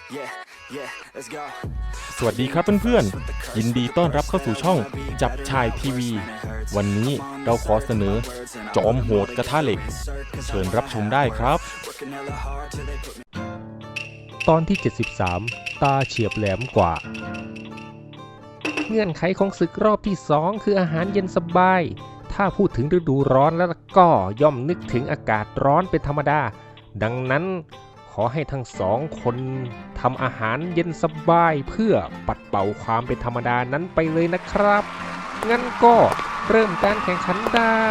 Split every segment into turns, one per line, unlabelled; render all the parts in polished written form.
สวัสดีครับเพื่อนๆยินดีต้อนรับเข้าสู่ช่องจับชายทีวีวันนี้เราขอเสนอจอมโหดกระทะเหล็กเชิญรับชมได้ครับ
ตอนที่ 73 ตาเฉียบแหลมกว่าเงื่อนไขของศึกรอบที่ 2 คืออาหารเย็นสบายถ้าพูดถึงฤดูร้อนแล้วก็ย่อมนึกถึงอากาศร้อนเป็นธรรมดาดังนั้นขอให้ทั้งสองคนทำอาหารเย็นสบายเพื่อปัดเป่าความเป็นธรรมดานั้นไปเลยนะครับงั้นก็เริ่มการแข่งขันได้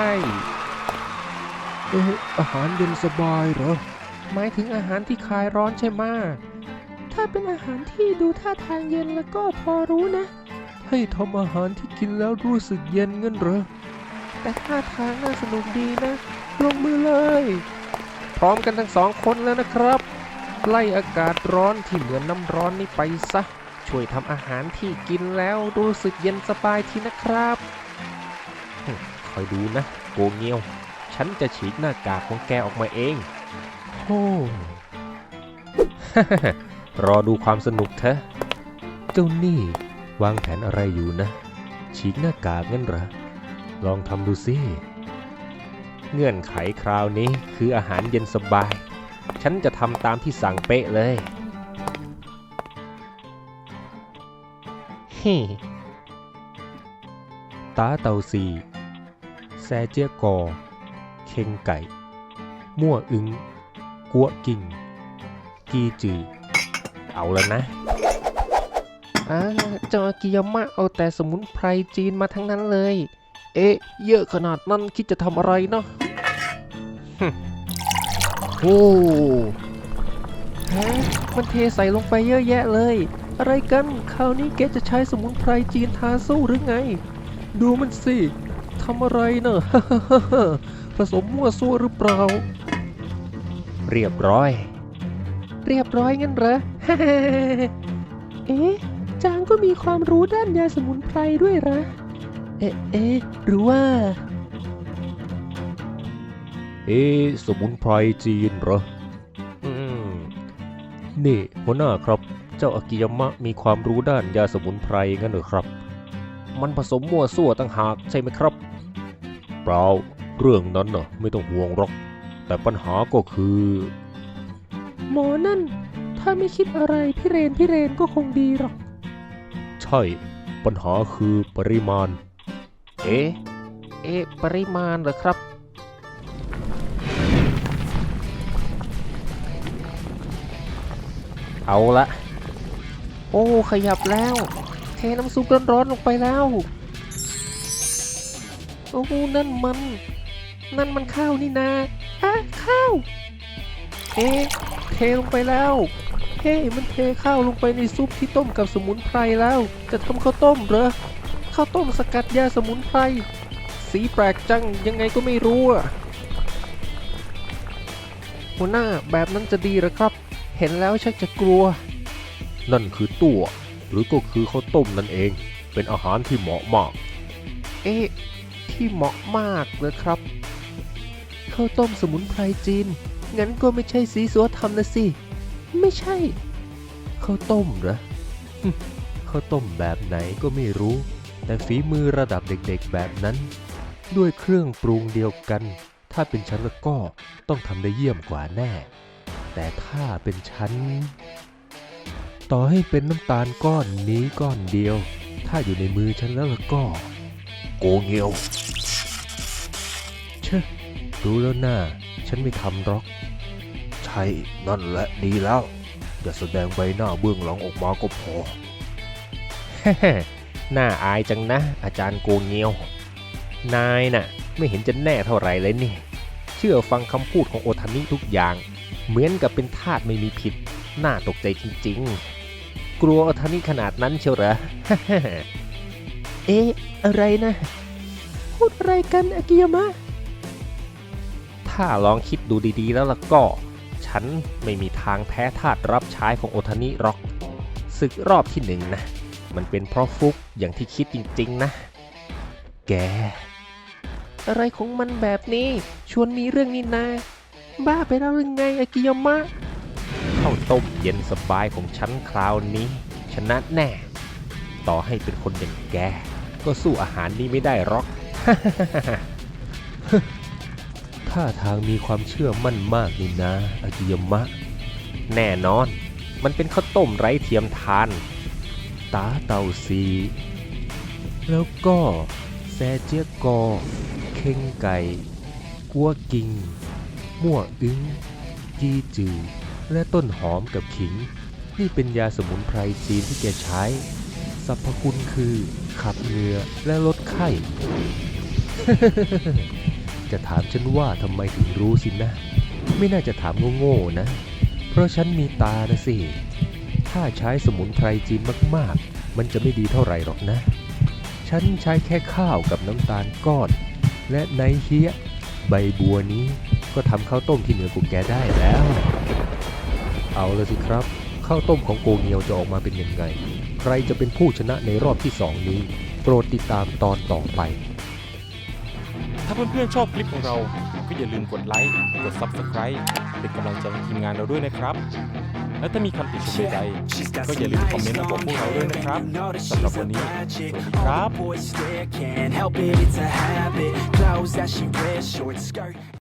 อาหารเย็นสบายเหรอหมายถึงอาหารที่คลายร้อนใช่ไหมถ้าเป็นอาหารที่ดูท่าทางเย็นแล้วก็พอรู้นะให้ทำอาหารที่กินแล้วรู้สึกเย็นงั้นเหรอแต่ท่าทางน่าสนุกดีนะลงมือเลยพร้อมกันทั้งสองคนแล้วนะครับไล่อากาศร้อนที่เหมือนน้ำร้อนนี้ไปซะช่วยทำอาหารที่กินแล้วรู้สึกเย็นสบายทีนะครับคอยดูนะโกเงียวฉันจะฉีกหน้ากากของแกออกมาเองโอ้ รอดูความสนุกเถอะเจ้านี่วางแผนอะไรอยู่นะฉีกหน้ากากงั้นเหรอลองทำดูสิเงื่อนไขคราวนี้คืออาหารเย็นสบายฉันจะทำตามที่สั่งเป๊ะเลยฮิตาเตาซีแซเจียกอเค็งไก่มั่วอึงกัวกิ่งกีจือเอาแล้วนะเจ้าอากิยามะเอาแต่สมุนไพรจีนมาทั้งนั้นเลยเยอะขนาดนั้นคิดจะทำอะไรเนาะโอ้มันเทใส่ลงไปเยอะแยะเลยอะไรกันคราวนี้แกจะใช้สมุนไพรจีนทาสู้หรือไงดูมันสิทำอะไรเนอะ ผสมมั่วซั่วหรือเปล่าเรียบร้อยงั้นเหรอ จางก็มีความรู้ด้านยาสมุนไพรด้วยเหรอหรือว่าสมุนไพรจีนเหรอนี่หัวหน้าครับเจ้าอากิยามะมีความรู้ด้านยาสมุนไพรงั้นเหรอครับมันผสมมั่วซั่วต่างหากใช่ไหมครับเปล่าเรื่องนั้นน่ะไม่ต้องห่วงหรอกแต่ปัญหาก็คือหมอนั่นถ้าไม่คิดอะไรพี่เรนก็คงดีหรอกใช่ปัญหาคือปริมาณปริมาณเหรอครับเอาละโอ้ขยับแล้วเทน้ำซุปร้อนๆลงไปแล้วโอ้นั่นมันข้าวนี่นาข้าวเทลงไปแล้วมันเทข้าวลงไปในซุปที่ต้มกับสมุนไพรแล้วจะทำข้าวต้มเหรอข้าวต้มสกัดยาสมุนไพรสีแปลกจังยังไงก็ไม่รู้หัวหน้าแบบนั้นจะดีหรอครับเห็นแล้วชักจะกลัวนั่นคือตัวหรือก็คือข้าวต้มนั่นเองเป็นอาหารที่เหมาะมากที่เหมาะมากเลยครับข้าวต้มสมุนไพรจีนงั้นก็ไม่ใช่สีสัวทำนะสิไม่ใช่ข้าวต้มเหรอ ข้าวต้มแบบไหนก็ไม่รู้แต่ฝีมือระดับเด็กๆแบบนั้นด้วยเครื่องปรุงเดียวกันถ้าเป็นฉันแล้วก็ต้องทำได้เยี่ยมกว่าแน่แต่ถ้าเป็นฉันต่อให้เป็นน้ำตาลก้อนนี้ก้อนเดียวถ้าอยู่ในมือฉันแล้วก็โกเงียวเชอะรู้แล้วน่าฉันไม่ทำหรอกใช่นั่นแหละดีแล้วอย่าแสดงใบหน้าเบื้องหลังออกมาก็พอ น่าอายจังนะอาจารย์โกเงียวนายน่ะไม่เห็นจะแน่เท่าไหร่เลยนี่เชื่อฟังคำพูดของโอทานิทุกอย่างเหมือนกับเป็นทาสไม่มีผิดน่าตกใจจริงๆกลัวโอทานิขนาดนั้นเชียวเหรอ อะไรนะพูดอะไรกันอากิยามะถ้าลองคิดดูดีๆแล้วล่ะก็ฉันไม่มีทางแพ้ทาสรับใช้ของโอทานิหรอกศึกรอบที่หนึ่งนะมันเป็นเพราะฟุกอย่างที่คิดจริงๆนะแกอะไรของมันแบบนี้ชวนมีเรื่องนี้นาบ้าไปแล้วหรือไงอากิยามะขข้าวต้มเย็นสบายของฉันคราวนี้ ชนะแน่ ต่อให้เป็นคนอย่างแกก็สู้อาหารนี้ไม่ได้หรอก ท่าทางมีความเชื่อมั่นมากนี่นะอากิยามะ แน่นอน มันเป็นข้าวต้มไร้เทียมทาน ตาเต่าซีแล้วก็แซเจียกอ เข่งไก่ กัวกิง มั่วอึ้งจีจือ และต้นหอมกับขิง นี่เป็นยาสมุนไพรจีนที่แกใช้ สรรพคุณคือขับเหงื่อและลดไข้ จะถามฉันว่าทำไมถึงรู้สินะ ไม่น่าจะถามโง่ๆนะ เพราะฉันมีตานะสิ ถ้าใช้สมุนไพรจีนมากๆ มันจะไม่ดีเท่าไหร่หรอกนะ ฉันใช้แค่ข้าวกับน้ำตาลก้อน และไนเฮียใบบัวนี้ก็ทำข้าวต้มที่เหนือกว่าแกได้แล้ว เอาละสิครับ ข้าวต้มของโกเงียวจะออกมาเป็นยังไง ใครจะเป็นผู้ชนะในรอบที่ 2 นี้ โปรดติดตามตอนต่อไป
ถ้าเพื่อนๆชอบคลิปของเราก็อย่าลืมกดไลค์ กด Subscribe เป็นกำลังใจให้ทีมงานเราด้วยนะครับ และถ้ามีคำติชมใดๆก็อย่าลืมคอมเมนต์มาบอกพวกเราด้วยนะครับสำหรับวันนี้ สวัสดีครับ